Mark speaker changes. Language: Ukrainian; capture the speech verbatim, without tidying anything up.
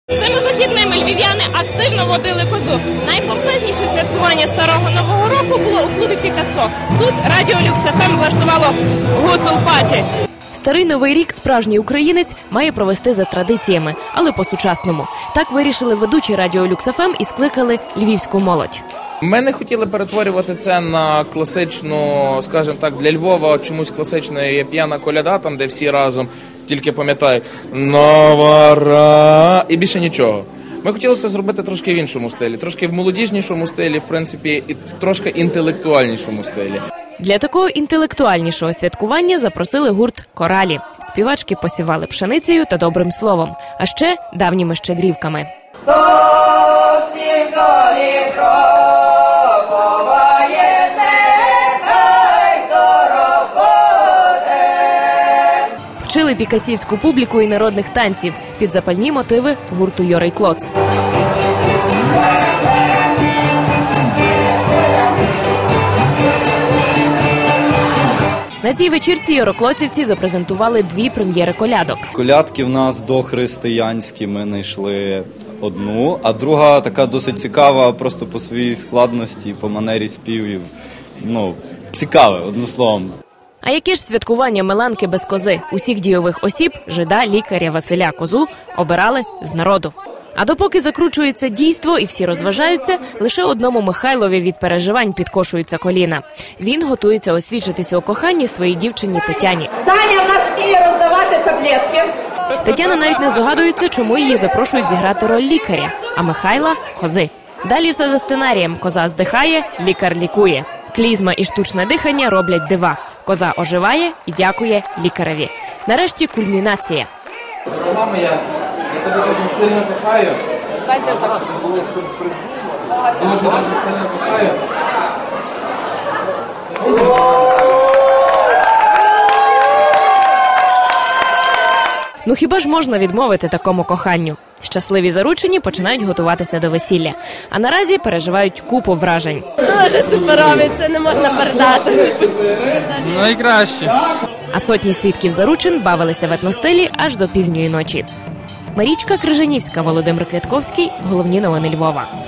Speaker 1: Цими вихідними львів'яни активно водили козу. Найпомпезніше святкування Старого Нового року було у клубі «Пікассо». Тут Радіо Люкс еф ем влаштувало гуцул-паті.
Speaker 2: Старий Новий рік справжній українець має провести за традиціями, але по-сучасному. Так вирішили ведучі Радіо Люкс еф ем і скликали львівську молодь.
Speaker 3: Ми не хотіли перетворювати це на класичну, скажімо так, для Львова чомусь класичною є п'яна коляда, там де всі разом тільки пам'ятають «Нова ра» і більше нічого. Ми хотіли це зробити трошки в іншому стилі, трошки в молодіжнішому стилі, в принципі, і трошки інтелектуальнішому стилі.
Speaker 2: Для такого інтелектуальнішого святкування запросили гурт «Коралі». Співачки посівали пшеницею та добрим словом, а ще давніми щедрівками. Вчили пікасівську публіку і народних танців під запальні мотиви гурту «Йорий Клоц». На цій вечірці йороклоцівці запрезентували дві прем'єри колядок.
Speaker 4: Колядки в нас дохристиянські, ми знайшли одну, а друга така досить цікава просто по своїй складності, по манері співів. Ну, цікаве, одним словом.
Speaker 2: А яке ж святкування Меланки без кози? Усіх дійових осіб, жида, лікаря, Василя, козу обирали з народу. А допоки закручується дійство і всі розважаються, лише одному Михайлові від переживань підкошуються коліна. Він готується освідчитися у коханні своїй дівчині Тетяні.
Speaker 5: Таня в нас вміє роздавати таблетки.
Speaker 2: Тетяна навіть не здогадується, чому її запрошують зіграти роль лікаря, а Михайла – кози. Далі все за сценарієм. Коза здихає, лікар лікує. Клізма і штучне дихання роблять дива. Коза оживає і дякує лікареві. Нарешті кульмінація.
Speaker 3: Дорога моя, я тебе дуже сильно кохаю. Дуже дуже сильно кохаю.
Speaker 2: Ну хіба ж можна відмовити такому коханню? Щасливі заручені починають готуватися до весілля. А наразі переживають купу вражень.
Speaker 1: Дуже суперові, це не можна передати.
Speaker 3: Найкраще.
Speaker 2: А сотні свідків заручин бавилися в етностилі аж до пізньої ночі. Марічка Крижанівська, Володимир Квятковський. Головні новини Львова.